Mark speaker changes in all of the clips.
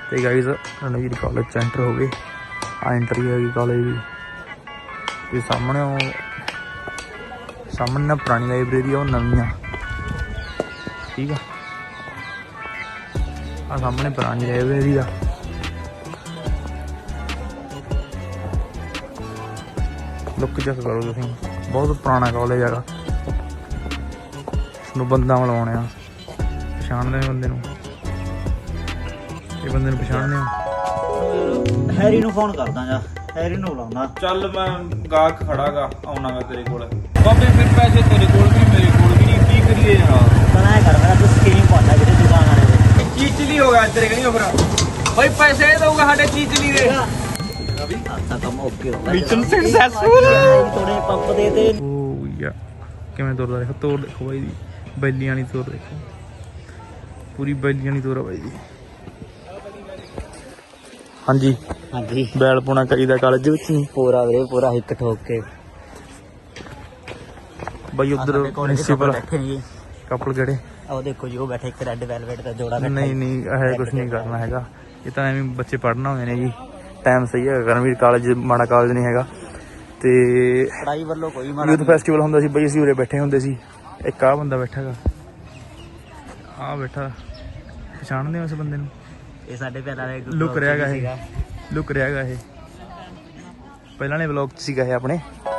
Speaker 1: तो guys Ranveer college च enter हो गए। आ एंट्री हैगी कॉलेज की। सामने सामने ना पुरानी लाइब्रेरी है, नवी। ठीक है, आ सामने पुरानी लाइब्रेरी आ। लुक चेक करो तुसीं, बहुत पुराना कॉलेज है। इसनूं बंदा मिलाने आ, पछाणदे बंदे नूं, ਇਹ ਬੰਦੇ ਨੂੰ ਪਛਾਣਦੇ ਹੋ?
Speaker 2: ਹੈਰੀ ਨੂੰ ਫੋਨ ਕਰਦਾ ਜਾ, ਹੈਰੀ ਨੂੰ ਬੁਲਾਉਂਦਾ।
Speaker 1: ਚੱਲ ਮੈਂ ਗਾਹਕ ਖੜਾਗਾ, ਆਉਣਾਗਾ ਤੇਰੇ ਕੋਲ। ਬਾਬੇ ਫਿਰ ਪੈਸੇ ਤੇਰੇ ਕੋਲ ਵੀ ਮੇਰੇ ਕੋਲ ਵੀ ਨਹੀਂ, ਕੀ ਕਰੀਏ ਯਾਰ?
Speaker 2: ਤਾਂ ਐ ਕਰ, ਮੇਰਾ ਤੂੰ ਸਕੀਮ ਪਾਉਂਦਾ ਜਿਹੜੇ ਦੁਕਾਨ ਵਾਲੇ ਦੇ।
Speaker 1: ਚੀਚਲੀ ਹੋ ਗਿਆ ਤੇਰੇ ਕਹੀਂ ਫਿਰ ਬਈ, ਪੈਸੇ ਦਊਗਾ ਸਾਡੇ ਚੀਚਲੀ ਦੇ।
Speaker 2: ਆਤਾ ਕੰਮ ਓਕੇ ਹੋ ਗਿਆ,
Speaker 1: ਮਿਸ਼ਨ ਸਕਸੈਸਫੁਲ।
Speaker 2: ਥੋੜੇ ਪੰਪ ਦੇ ਦੇ।
Speaker 1: ਓ ਯਾ ਕਿਵੇਂ ਤੁਰਦਾ, ਦੇਖੋ ਤੋਰ ਦੇਖੋ ਬਾਈ ਦੀ, ਬੈਲੀਆਂ ਵਾਲੀ ਤੋਰ ਦੇਖੋ, ਪੂਰੀ ਬੈਲੀਆਂ ਵਾਲੀ ਤੋਰ ਆ ਬਾਈ ਦੀ। ਹਾਂਜੀ
Speaker 2: ਹਾਂਜੀ,
Speaker 1: ਬੈਲ ਪੁਣਾ ਕਰੀਦਾ ਕਾਲਜ ਵਿੱਚ ਨਹੀਂ
Speaker 2: ਪੂਰਾ ਵੀਰੇ ਪੂਰਾ ਹਿੱਕ ਠੋਕ ਕੇ
Speaker 1: ਬਾਈ। ਉਧਰ ਪ੍ਰਿੰਸੀਪਲ
Speaker 2: ਬੈਠੇ ਜੀ,
Speaker 1: ਕਪਲ ਕਿਹੜੇ?
Speaker 2: ਉਹ ਦੇਖੋ ਜੀ, ਉਹ ਬੈਠੇ ਇੱਕ ਰੈੱਡ ਵੈਲਵੇਟ ਦਾ ਜੋੜਾ ਬੈਠਾ।
Speaker 1: ਨਹੀਂ ਨਹੀਂ, ਇਹ ਕੁਛ ਨਹੀਂ ਕਰਨਾ ਹੈਗਾ, ਇਹ ਤਾਂ ਐਵੇਂ ਬੱਚੇ ਪੜ੍ਹਨਾ ਹੋਏ ਨੇ ਜੀ। ਟਾਈਮ ਸਹੀ ਹੈਗਾ, ਕਰਨਵੀਰ ਕਾਲਜ ਮਾੜਾ ਕਾਲਜ ਨਹੀਂ ਹੈਗਾ। ਤੇ
Speaker 2: ਪੜਾਈ ਵੱਲੋਂ ਕੋਈ ਮਾੜਾ
Speaker 1: ਯੂਥ ਫੈਸਟੀਵਲ ਹੁੰਦਾ ਸੀ ਬਈ, ਅਸੀਂ ਉਰੇ ਬੈਠੇ ਹੁੰਦੇ ਸੀ। ਇੱਕ ਆਹ ਬੰਦਾ ਬੈਠਾ ਹੈਗਾ, ਆਹ ਬੈਠਾ, ਪਛਾਣਦੇ ਹੋ ਇਸ ਬੰਦੇ ਨੂੰ?
Speaker 2: ਇਹ ਸਾਡੇ ਪਹਿਲਾਂ ਦੇ
Speaker 1: ਲੁਕ ਰਿਹਾ ਹੈਗਾ, ਇਹ ਲੁਕ ਰਿਹਾ ਹੈਗਾ, ਇਹ ਪਹਿਲਾਂ ਨੇ ਵਲੌਗ 'ਚ ਸੀਗਾ ਇਹ ਆਪਣੇ।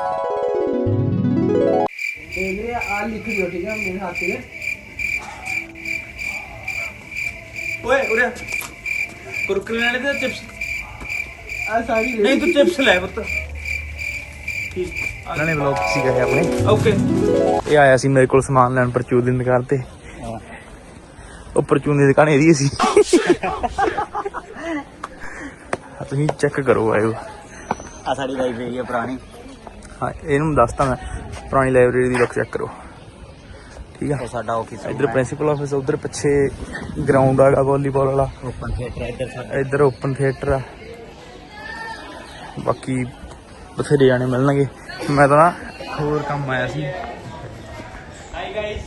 Speaker 3: ਆ ਲਿਖ ਦਿਓ, ਠੀਕ ਹੈ ਮੇਰੇ ਹੱਥ ਤੇ।
Speaker 1: ਓਏ ਉਰੇ ਕੁਰਕਰੇ ਲੈਣੇ ਤੇ ਚਿਪਸ?
Speaker 3: ਆ ਸਾਰੀ
Speaker 1: ਨਹੀਂ ਤੂੰ ਚਿਪਸ ਲੈ ਪੁੱਤ। ਠੀਕ, ਇਹਨਾਂ ਨੇ ਵਲੌਗ 'ਚ ਸੀਗਾ ਇਹ ਆਪਣੇ। ਓਕੇ, ਇਹ ਆਇਆ ਸੀ ਮੇਰੇ ਕੋਲ ਸਮਾਨ ਲੈਣ ਪਰਚੂਨ ਦੀ ਦੁਕਾਨ ਤੇ। ਉਹ ਪਰਚੂਨ ਦੀ ਦੁਕਾਨ ਇਹਦੀ ਸੀ। ਤੁਸੀਂ ਚੈੱਕ ਕਰੋ, ਆਇਓ।
Speaker 2: ਆ ਸਾਡੀ ਲਾਇਬ੍ਰੇਰੀ ਹੈ ਪੁਰਾਣੀ।
Speaker 1: ਹਾਂ, ਇਹਨੂੰ ਦੱਸਤਾ ਮੈਂ, ਪੁਰਾਣੀ ਲਾਇਬ੍ਰੇਰੀ ਦੀ ਲੁੱਕ ਚੈੱਕ ਕਰੋ। ਠੀਕ ਆ,
Speaker 2: ਉਹ ਸਾਡਾ ਆਫਿਸ
Speaker 1: ਇੱਧਰ ਪ੍ਰਿੰਸੀਪਲ ਆਫਿਸ, ਉਧਰ ਪਿੱਛੇ ਗਰਾਊਂਡ ਆਗਾ ਵਾਲੀਬਾਲ ਵਾਲਾ,
Speaker 2: ਓਪਨ ਥੀਏਟਰ ਇੱਧਰ ਸਾਡਾ।
Speaker 1: ਇੱਧਰ ਓਪਨ ਥੀਏਟਰ ਆ। ਬਾਕੀ ਬਥੇਰੇ ਜਾਣੇ ਮਿਲਣਗੇ। ਮੈਂ ਤਾਂ ਨਾ ਹੋਰ ਕੰਮ ਆਇਆ ਸੀ। ਹਾਈ ਗਾਇਸ,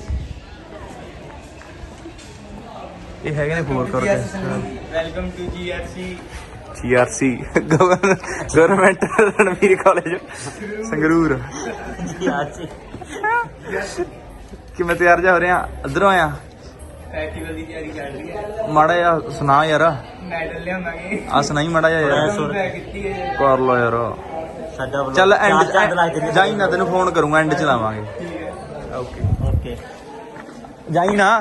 Speaker 1: ਇਹ ਹੈਗੇ ਨੇ 4 crore. Welcome to GRC government Ranveer college Sangrur. ਕਿਵੇਂ ਤਿਆਰ ਜਾ ਹੋ ਰਿਹਾ? ਇੱਧਰੋਂ ਆਇਆ, ਫੈਸਟੀਵਲ ਦੀ ਤਿਆਰੀ ਚੱਲ ਰਹੀ ਹੈ। ਮਾੜਾ ਜਿਹਾ ਸੁਣਾ ਯਾਰ, ਮੈਡਲ ਲਿਆਵਾਂਗੇ। ਆ ਸੁਣਾਈ ਮਾੜਾ ਜਿਹਾ ਯਾਰ, ਕਰ ਲੋ ਯਾਰ।
Speaker 2: ਸਾਡਾ
Speaker 1: ਚੱਲ ਐਂਡ ਜਾਈ ਨਾ, ਤੈਨੂੰ ਫੋਨ ਕਰੂੰਗਾ, ਐਂਡ ਚ ਲਾਵਾਂਗੇ। ਓਕੇ
Speaker 2: ਓਕੇ,
Speaker 1: ਜਾਈ ਨਾ।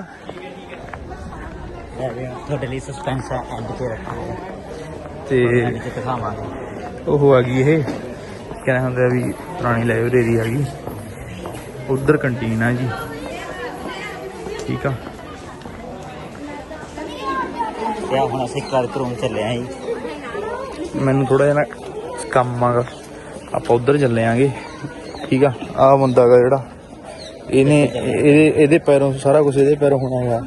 Speaker 2: ਤੁਹਾਡੇ ਲਈ ਸਸਪੈਂਸ ਹੈ, ਐਂਡ ਤੇ ਰੱਖਾਂਗੇ
Speaker 1: ਤੇ
Speaker 2: ਐਂਡ ਤੇ ਦਿਖਾਵਾਂਗੇ।
Speaker 1: ਉਹ ਆ ਗਈ, ਇਹ ਕਹਿੰਦਾ ਹੁੰਦਾ ਵੀ ਪੁਰਾਣੀ ਲਾਇਬ੍ਰੇਰੀ ਆ ਗਈ। ਉਧਰ ਕੰਟੀਨ ਆ ਜੀ। ਠੀਕ ਆ,
Speaker 2: ਤੇ ਹੁਣ ਅਸੀਂ ਕਲਰਕ ਰੂਮ ਚੱਲੇ ਆਂ ਜੀ।
Speaker 1: ਮੈਨੂੰ ਥੋੜਾ ਜਿਹਾ ਨਾ ਕੰਮ ਆਗਾ, ਆਪਾਂ ਉਧਰ ਚੱਲੇ ਆਂਗੇ। ਠੀਕ ਆ, ਆਹ ਬੰਦਾ ਗਾ ਜਿਹੜਾ, ਇਹਦੇ ਪੈਰੋਂ ਸਾਰਾ ਕੁਝ, ਇਹਦੇ ਪੈਰੋਂ ਹੋਣਾ ਹੈਗਾ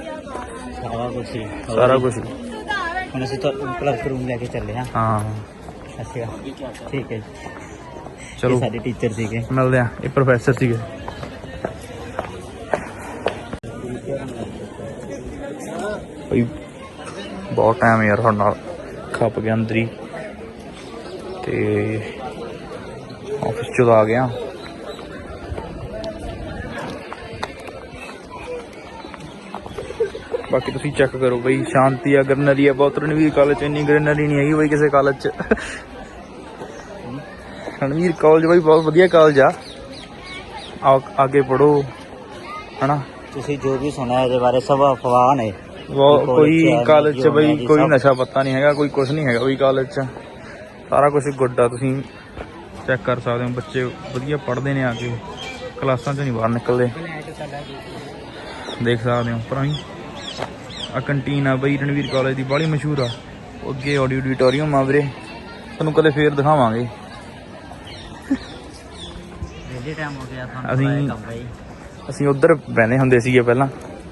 Speaker 1: ਸਾਰਾ ਕੁਝ।
Speaker 2: ਹੁਣ ਅਸੀਂ ਤਾਂ ਕਲਰਕ ਰੂਮ ਲੈ ਕੇ ਚੱਲੇ ਆਂ।
Speaker 1: ਹਾਂ
Speaker 2: ਅੱਛਾ ਠੀਕ ਹੈ ਜੀ।
Speaker 1: ਚਲੋ,
Speaker 2: ਸਾਡੇ ਟੀਚਰ ਸੀਗੇ,
Speaker 1: ਮਿਲਦੇ ਆ। ਇਹ ਪ੍ਰੋਫੈਸਰ ਸੀਗੇ। ਬਈ ਬਹੁਤ ਟਾਈਮ ਯਾਰ ਸਾਡੇ ਨਾਲ ਖੱਪ ਗਿਆ ਅੰਦਰ ਹੀ, ਤੇ ਆਫਿਸ ਚੋਂ ਆ ਗਿਆ। ਬਾਕੀ ਤੁਸੀਂ ਚੈੱਕ ਕਰੋ ਬਈ, ਸ਼ਾਂਤੀ ਆ, ਗਰਨਰੀ ਆ ਬਹੁਤ। ਰਣਵੀਰ ਕਾਲਜ 'ਚ ਇੰਨੀ ਗਰਨਰੀ ਨਹੀਂ ਹੈਗੀ ਬਈ ਕਿਸੇ ਕਾਲਜ 'ਚ। ਰਣਵੀਰ ਕਾਲਜ ਬਈ ਬਹੁਤ ਵਧੀਆ ਕਾਲਜ ਆ, ਅੱਗੇ ਪੜੋ ਹਨਾ।
Speaker 2: ਤੁਸੀਂ ਜੋ ਵੀ ਸੁਣਿਆ ਇਹਦੇ ਬਾਰੇ ਸਭ ਅਫਵਾਹ ਨੇ।
Speaker 1: ਕੋਈ ਕਾਲਜ 'ਚ ਬਈ ਕੋਈ ਨਸ਼ਾ ਪੱਤਾ ਨਹੀਂ ਹੈਗਾ, ਕੋਈ ਕੁਛ ਨਹੀਂ ਹੈਗਾ ਬਈ ਕਾਲਜ 'ਚ। ਸਾਰਾ ਕੁਛ ਗੁੱਡ ਆ, ਤੁਸੀਂ ਚੈੱਕ ਕਰ ਸਕਦੇ ਹੋ। ਬੱਚੇ ਵਧੀਆ ਪੜ੍ਹਦੇ ਨੇ, ਆ ਕੇ ਕਲਾਸਾਂ 'ਚ ਨਹੀਂ ਬਾਹਰ ਨਿਕਲਦੇ, ਦੇਖ ਸਕਦੇ ਹੋ। ਪਰ ਆ ਕੰਟੀਨ ਆ ਬਈ ਰਣਵੀਰ ਕਾਲਜ ਦੀ, ਬਾਹਲੀ ਮਸ਼ਹੂਰ ਆ। ਅੱਗੇ ਆਡੀਟੋਰੀਅਮ ਆ ਵੀਰੇ, ਤੁਹਾਨੂੰ ਕਦੇ ਫੇਰ ਦਿਖਾਵਾਂਗੇ।
Speaker 2: ਟਾਈਮ ਹੋ ਗਿਆ
Speaker 1: ਅਸੀਂ ਉੱਧਰ ਬਹਿੰਦੇ ਹੁੰਦੇ ਸੀਗੇ ਪਹਿਲਾਂ,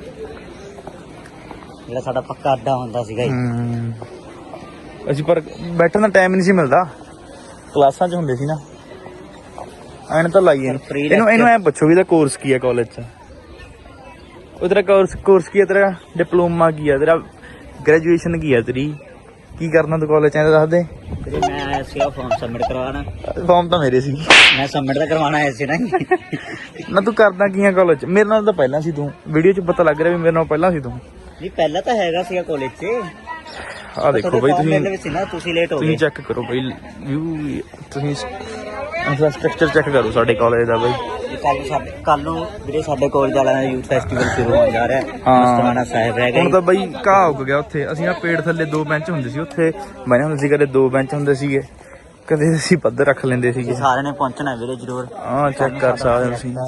Speaker 2: ਜਿਹੜਾ ਸਾਡਾ ਪੱਕਾ ਅੱਡਾ ਹੁੰਦਾ ਸੀਗਾ ਜੀ।
Speaker 1: ਅਸੀਂ ਪਰ ਬੈਠਣ ਦਾ ਟਾਈਮ ਨਹੀਂ ਸੀ ਮਿਲਦਾ, ਕਲਾਸਾਂ 'ਚ ਹੁੰਦੇ ਸੀ ਨਾ। ਐਨ ਤਾਂ ਲਾਈਏ ਇਹਨੂੰ ਐ ਪੁੱਛੋ ਵੀ ਇਹਦਾ ਕੋਰਸ ਕੀ ਹੈ ਕਾਲਜ 'ਚ? ਉਹ ਤੇਰਾ ਕੋਰਸ ਕੀ ਹੈ? ਤੇਰਾ ਡਿਪਲੋਮਾ ਕੀ ਹੈ? ਤੇਰਾ ਗ੍ਰੈਜੂਏਸ਼ਨ ਕੀ ਹੈ ਤੇਰੀ? ਕੀ ਕਰਨਾ ਤੂੰ ਕਾਲਜ ਚ ਐਂ ਤਾਂ ਦੱਸ ਦੇ।
Speaker 2: ਵੀਰੇ ਮੈਂ ਆਇਆ ਸੀਗਾ ਫਾਰਮ ਸਬਮਿਟ ਕਰਵਾਉਣਾ।
Speaker 1: ਫਾਰਮ ਤਾਂ ਮੇਰੇ ਸੀ।
Speaker 2: ਮੈਂ ਸਬਮਿਟ ਤਾਂ ਕਰਵਾਉਣਾ ਆਇਆ ਸੀ ਨਾ।
Speaker 1: ਨਾ ਤੂੰ ਕਰਦਾ ਕੀ ਆ ਕਾਲਜ ਚ? ਮੇਰੇ ਨਾਲ ਤਾਂ ਪਹਿਲਾਂ ਸੀ ਤੂੰ, ਵੀਡੀਓ ਚ ਪਤਾ ਲੱਗ ਰਿਹਾ ਵੀ ਮੇਰੇ ਨਾਲ ਪਹਿਲਾਂ ਸੀ ਤੂੰ।
Speaker 2: ਨਹੀਂ ਪਹਿਲਾਂ ਤਾਂ ਹੈਗਾ ਸੀਗਾ ਕਾਲਜ 'ਚ।
Speaker 1: ਆਹ ਦੇਖੋ ਬਈ
Speaker 2: ਤੁਸੀਂ ਲੇਟ ਹੋ
Speaker 1: ਤੁਸੀਂ
Speaker 2: ਗਏ।
Speaker 1: ਚੈੱਕ ਕਰੋ ਬਈ ਵਿਊ, ਤੁਸੀਂ ਇੰਫਰਾਸਟ੍ਰਕਚਰ ਚੈੱਕ ਕਰੋ ਸਾਡੇ ਕਾਲਜ ਦਾ ਬਈ।
Speaker 2: ਕੱਲ ਨੂੰ ਵੀਰੇ ਸਾਡੇ ਕਾਲਜ ਵਾਲਿਆਂ ਦਾ ਯੂਥ ਫੈਸਟੀਵਲ ਸ਼ੁਰੂ ਹੋਣ ਜਾ ਰਿਹਾ। ਮਸਤਾਨਾ ਸਾਹਿਬ ਰਹਿ
Speaker 1: ਹੁਣ
Speaker 2: ਗਏ।
Speaker 1: ਤਾਂ ਬਈ ਘਾਹ ਉੱਗ ਗਿਆ ਉੱਥੇ। ਅਸੀਂ ਆ ਪੇੜ ਥੱਲੇ 2 ਬੈਂਚ ਹੁੰਦੇ ਸੀ, ਉੱਥੇ ਬਣੇ ਹੁੰਦੇ ਸੀ, ਕਦੇ 2 ਬੈਂਚ ਹੁੰਦੇ ਸੀਗੇ, ਕਦੇ ਅਸੀਂ ਪੱਧਰ ਰੱਖ ਲੈਂਦੇ ਸੀਗੇ।
Speaker 2: ਸਾਰਿਆਂ ਨੇ ਪਹੁੰਚਣਾ ਵੀਰੇ ਜ਼ਰੂਰ।
Speaker 1: ਹਾਂ ਚੈੱਕ ਕਰ ਸਕਦੇ ਹੋ ਤੁਸੀਂ।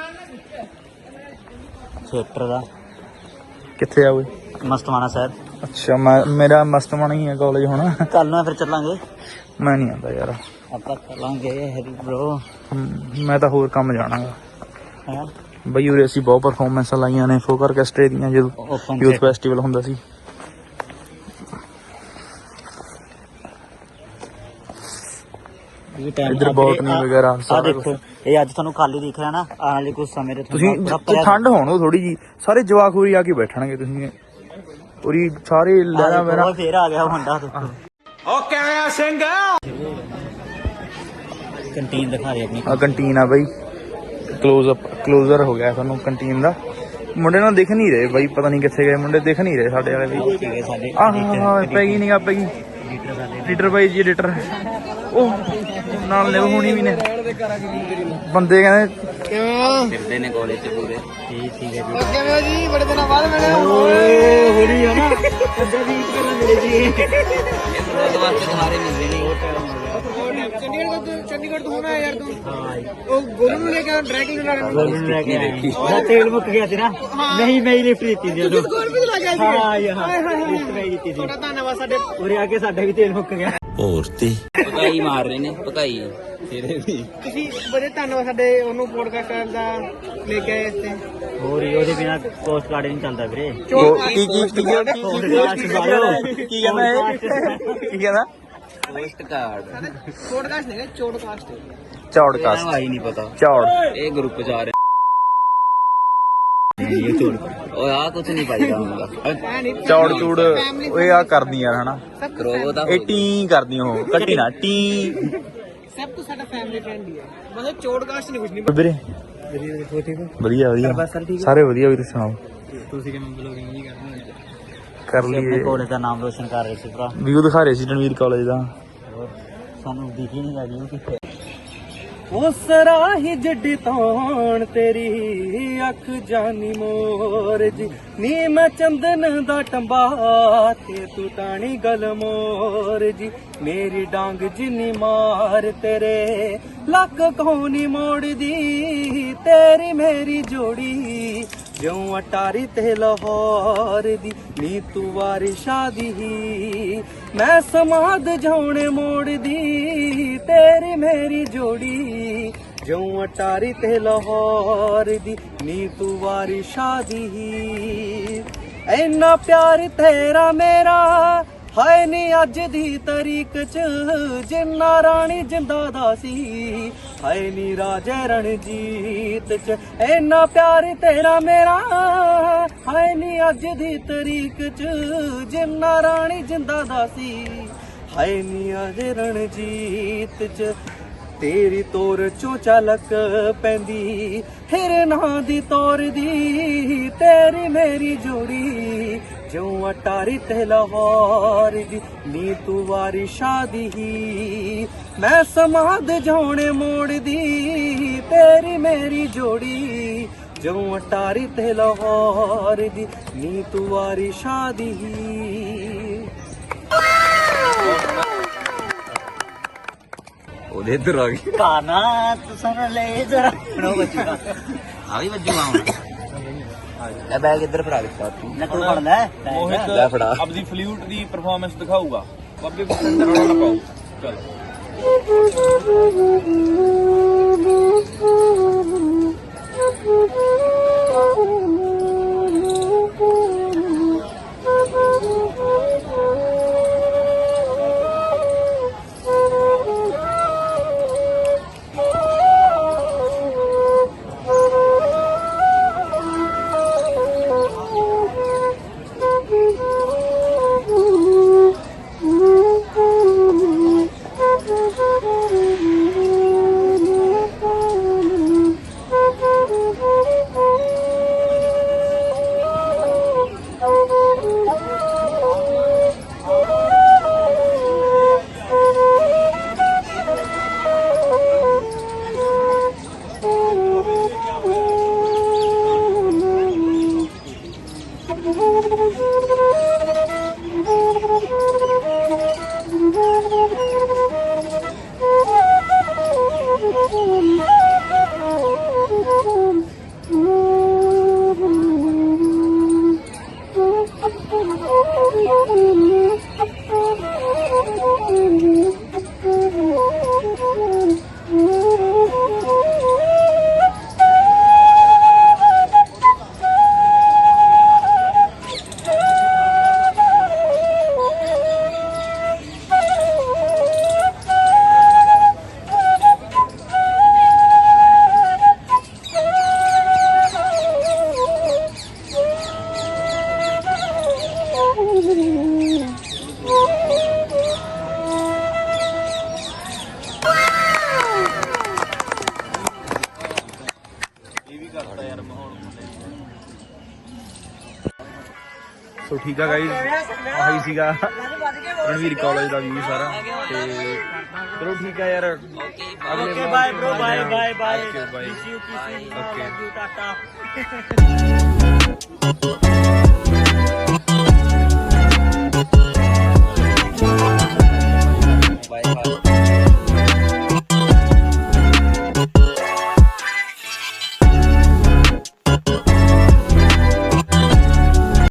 Speaker 2: ਥੀਏਟਰ ਦਾ
Speaker 1: ਕਿੱਥੇ ਆ ਓਏ?
Speaker 2: ਮਸਤਾਨਾ ਸਾਹਿਬ।
Speaker 1: ਅੱਛਾ ਮੇਰਾ ਮਸਤਮਾਨਾ ਹੀ ਹੈ ਕਾਲਜ ਹੁਣ।
Speaker 2: ਕੱਲ ਨੂੰ ਫਿਰ ਚੱਲਾਂਗੇ।
Speaker 1: ਮੈਂ ਨਹੀਂ ਆਉਂਦਾ ਯਾਰ।
Speaker 2: ਆਪਾਂ ਚੱਲਾਂਗੇ ਹੈਰੀ ਬ్రో।
Speaker 1: ਮੈਂ ਤਾਂ ਹੋਰ ਕੰਮ ਜਾਣਾਗਾ
Speaker 2: ਹਾਂ
Speaker 1: ਬਈ। ਉਰੇ ਅਸੀਂ ਬਹੁਤ ਪਰਫਾਰਮੈਂਸਾਂ ਲਾਈਆਂ ਨੇ ਫੋਕ ਆਰਕੈਸਟਰੇ ਦੀਆਂ ਜਦੋਂ ਯੂਥ ਫੈਸਟੀਵਲ ਹੁੰਦਾ ਸੀ। ਇੱਧਰ ਬੋਟਨੀ ਵਗੈਰਾ
Speaker 2: ਆ ਦੇਖੋ, ਇਹ ਅੱਜ ਤੁਹਾਨੂੰ ਖਾਲੀ ਦਿਖ ਰਿਹਾ ਨਾ, ਆਉਣ ਵਾਲੇ ਕੁਝ ਸਮੇਂ ਦੇ
Speaker 1: ਤੁਸੀਂ ਠੰਡ ਹੋਣ ਥੋੜੀ ਜੀ, ਸਾਰੇ ਜਵਾਕ ਹੋਰੀ ਆ ਕੇ ਬੈਠਣਗੇ। ਤੁਸੀਂ ਪੂਰੀ ਸਾਰੇ ਲੈਣਾ ਮੇਰਾ
Speaker 2: ਫੇਰ ਆ ਗਿਆ ਮੁੰਡਾ।
Speaker 3: ਓਕੇ ਆ ਸਿੰਘ
Speaker 2: ਕੰਟੀਨ ਦਿਖਾ ਰਹੀ ਆਪਣੀ।
Speaker 1: ਆ ਕੰਟੀਨ ਆ ਬਈ, ਕਲੋਜ਼ਰ ਹੋ ਗਿਆ ਸਾਨੂੰ ਕੰਟੀਨ ਦਾ। ਮੁੰਡੇ ਨਾਲ ਦਿਖ ਨਹੀਂ ਰਹੇ ਬਾਈ, ਪਤਾ ਨਹੀਂ ਕਿੱਥੇ ਗਏ ਮੁੰਡੇ, ਦਿਖ ਨਹੀਂ ਰਹੇ ਸਾਡੇ ਵਾਲੇ ਵੀ।
Speaker 2: ਠੀਕ ਹੈ ਸਾਡੇ
Speaker 1: ਆਹ ਪੈ ਗਈ ਨਹੀਂ, ਆ ਪੈ ਗਈ ਲੀਟਰ ਬਾਈ ਜੀ, ਲੀਟਰ ਉਹ ਨਾਲ ਨੇ ਹੋਣੀ ਵੀ ਨੇ ਬੰਦੇ ਕਹਿੰਦੇ
Speaker 2: ਫਿਰਦੇ ਨੇ ਕਾਲਜ 'ਚ ਪੂਰੇ। ਠੀਕ ਹੈ ਜੀ।
Speaker 3: ਓਕੇ ਮੈਂ ਜੀ ਬੜੇ ਦਿਨਾਂ ਬਾਅਦ ਮਿਲੇ।
Speaker 2: ਓਏ ਹੋਲੀ ਹੈ ਨਾ, ਅੱਧਾ ਵੀਕ ਕਰਨ ਮਿਲੇ ਜੀ। ਉਸ ਵਾਸਤੇ ਸਾਰੇ ਮਿਲਦੇ ਨਹੀਂ।
Speaker 3: ਚੰਡੀਗੜ੍ਹ ਤੋਂ ਹੋਣਾ ਯਾਰ ਤੂੰ। ਉਹ ਗੋਲੂ ਨੂੰ ਲੈ ਕੇ ਡਰੈਗ ਲੈਣਾ।
Speaker 2: ਗੋਲੂ ਨੂੰ ਲੈ ਕੇ ਆਇਆ। ਉਹਦਾ ਤੇਲ ਮੁੱਕ ਗਿਆ ਸੀ ਨਾ। ਨਹੀਂ ਮੈਂ ਹੀ ਲਿਫਟ ਦਿੱਤੀ ਸੀ ਉਦੋਂ।
Speaker 3: ਗੋਲ ਵੀ ਲੱਗ ਗਿਆ ਸੀ।
Speaker 2: ਹਾਂ ਯਾਰ ਲਿਫਟ ਮੈਂ ਦਿੱਤੀ ਸੀ।
Speaker 3: ਤੁਹਾਡਾ ਧੰਨਵਾਦ। ਸਾਡੇ
Speaker 2: ਉਰੇ ਆ ਕੇ ਸਾਡਾ ਵੀ ਤੇਲ ਮੁੱਕ ਗਿਆ।
Speaker 4: ਔਰਤੇ
Speaker 2: ਪਕਾਈ ਮਾਰ ਰਹੇ ਨੇ, ਪਕਾਈ ਤੇਰੇ ਵੀ।
Speaker 3: ਤੁਸੀਂ ਬੜੇ ਧੰਨਵਾਦ ਸਾਡੇ ਉਹਨੂੰ ਪੋਡਕਾਸਟ ਦਾ ਲੈ ਕੇ ਆਏ ਇੱਥੇ।
Speaker 2: ਹੋਰ ਹੀ ਉਹਦੇ ਬਿਨਾ ਪੋਸਟ ਕਾਰਡ ਨਹੀਂ ਚੱਲਦਾ ਵੀਰੇ।
Speaker 1: ਕੀ ਕਹਿੰਦਾ
Speaker 2: ਪੋਸਟ ਕਾਰਡ
Speaker 3: ਪੋਡਕਾਸਟ ਨਹੀਂ, ਚੋਡਕਾਸਟ।
Speaker 1: ਚੌੜਕਾਸਟ
Speaker 2: ਆਈ ਨਹੀਂ ਪਤਾ।
Speaker 1: ਚੌੜ
Speaker 2: ਇਹ ਗਰੁੱਪ ਚ ਆ ਰਿਹਾ। ਇਹ ਚੋੜ ਓਏ ਆ ਕੁਝ ਨਹੀਂ ਪਾਈਦਾ ਹੁੰਦਾ।
Speaker 1: ਚੌੜ ਚੂੜ ਓਏ ਆ ਕਰਦੀ ਯਾਰ ਹਨਾ।
Speaker 2: ਕਰੋ ਤਾਂ
Speaker 1: ਇਹ ਟੀ ਕਰਦੀ ਉਹ ਕੱਟੀ ਨਾ ਟੀ।
Speaker 3: ਸਭ ਕੁਝ ਸਾਡਾ ਫੈਮਿਲੀ ਫਰੈਂਡ ਹੀ ਹੈ, ਮਤਲਬ ਚੋਡਕਾਸਟ ਨਹੀਂ ਕੁਝ ਨਹੀਂ।
Speaker 1: ਵੀਰੇ ਵਧੀਆ ਵਧੀਆ ਸਾਰੇ ਵਧੀਆ। ਵੀਰੇ ਸੁਣਾਓ
Speaker 3: ਤੁਸੀਂ ਕਿਵੇਂ ਬਲੌਗਿੰਗ ਨਹੀਂ ਕਰਨੀ?
Speaker 1: ਕਰ ਲਈਏ।
Speaker 2: ਕਾਲਜ ਦਾ ਨਾਮ ਰੋਸ਼ਨ ਕਰ ਰਹੇ ਸੀ ਭਰਾ।
Speaker 1: ਵੀਊ ਦਿਖਾ ਰਹੇ ਸੀ ਰਣਵੀਰ ਕਾਲਜ ਦਾ।
Speaker 2: ਸਾਨੂੰ ਦਿਖੀ ਨਹੀਂ ਲੱਗੀ ਕਿੱਥੇ।
Speaker 3: ਉਸ ਰਾਹੀ ਜੱਡੀ ਤੌਣ ਤੇਰੀ ਅੱਖ ਜਾਨੀ ਮੋਰ ਜੀ, ਨੀ ਮੈਂ ਚੰਦਨ ਦਾ ਟੰਬਾ ਤੇ ਤੂੰ ਟਾਣੀ ਗਲ ਮੋਰ ਜੀ। ਮੇਰੀ ਡਾਂਗ ਜਿੰਨੀ ਮਾਰ ਤੇਰੇ ਲੱਕ ਕੋਨੀ ਮੋੜਦੀ, ਤੇਰੀ ਮੇਰੀ ਜੋੜੀ ਜਿਉਂ ਅਟਾਰੀ ਤੇ ਲਾਹੌਰ ਦੀ। ਨੀ ਤੂੰ ਵਾਰੀ ਸ਼ਾਦੀ ਹੀ ਮੈਂ ਸਮਾਦ ਜਾਉਣੇ ਮੋੜਦੀ, ਤੇਰੀ ਮੇਰੀ ਜੋੜੀ ਜਿਉਂ ਅਟਾਰੀ ਤੇ ਲਾਹੌਰ ਦੀ। ਨੀ ਤੂੰ ਵਾਰੀ ਸ਼ਾਦੀ ਹੀ ਇੰਨਾ ਪਿਆਰ ਤੇਰਾ ਮੇਰਾ ਹਾਏ ਨੀ ਅੱਜ ਦੀ ਤਰੀਕ ਚ, ਜਿੰਨਾ ਰਾਣੀ ਜਿੰਦਾ ਦਾ ਸੀ ਹਾਏ ਨੀ ਰਾਜੇ ਰਣਜੀਤ ਚ। ਇੰਨਾ ਪਿਆਰ ਤੇਰਾ ਮੇਰਾ ਹਾਏ ਨੀ ਅੱਜ ਦੀ ਤਰੀਕ ਚ, ਜਿੰਨਾ ਰਾਣੀ ਜਿੰਦਾ ਦਾ ਸੀ ਹਾਏ ਨੀ ਰਾਜੇ ਰਣਜੀਤ ਚ। ਤੇਰੀ ਤੋਰ ਚੋਂ ਝਲਕ ਪੈਂਦੀ ਹਿਰਨਾਂ ਦੀ ਤੋਰ ਦੀ, ਤੇਰੀ ਮੇਰੀ ਜੋੜੀ ਜਿਉਂ ਅਟਾਰੀ ਤੇ ਲਾਹੌਰ ਦੀ। ਨੀ ਤੂੰ ਵਾਰੀ ਸ਼ਾਦੀ ਹੀ ਮੈਂ ਸਮਾਦ ਜਾਉਣੇ ਮੋੜਦੀ, ਤੇਰੀ ਮੇਰੀ ਜੋੜੀ ਜਿਉਂ ਅਟਾਰੀ ਤੇ ਲਾਹੌਰ ਦੀ। ਨੀ ਤੂੰ ਵਾਰੀ ਸ਼ਾਦੀ ਹੀ।
Speaker 4: ਉਹਦੇ ਇੱਧਰ ਆ ਗਈ।
Speaker 2: ਕਾਨਾ ਤੂੰ ਸੁਣ ਲੈ ਜਰਾ ਨੋ ਬੱਚਾ ਆ ਵੀ ਵੱਜੂ ਆਉਂ। ਲੈ ਬੈਗ ਇੱਧਰ ਫੜਾ ਦਿੱਤਾ ਤੂੰ ਨਾ ਤੂੰ ਫੜ ਲੈ।
Speaker 4: ਲੈ ਫੜਾ।
Speaker 1: ਆਪਦੀ ਫਲੂਟ ਦੀ ਪਰਫਾਰਮੈਂਸ ਦਿਖਾਊਗਾ। ਬਾਬੇ ਬਸੰਦਰ ਨਾਲ ਪਾਉ। ਚਲ ਸੋ ਠੀਕ ਆ ਗਾਈਜ਼, ਆਹੀ ਸੀਗਾ ਰਣਵੀਰ ਕਾਲਜ ਦਾ ਵੀਊ ਸਾਰਾ। ਤੇ ਚਲੋ ਠੀਕ ਆ ਯਾਰ, okay bye bro, bye bye bye, okay bye, okay Tata.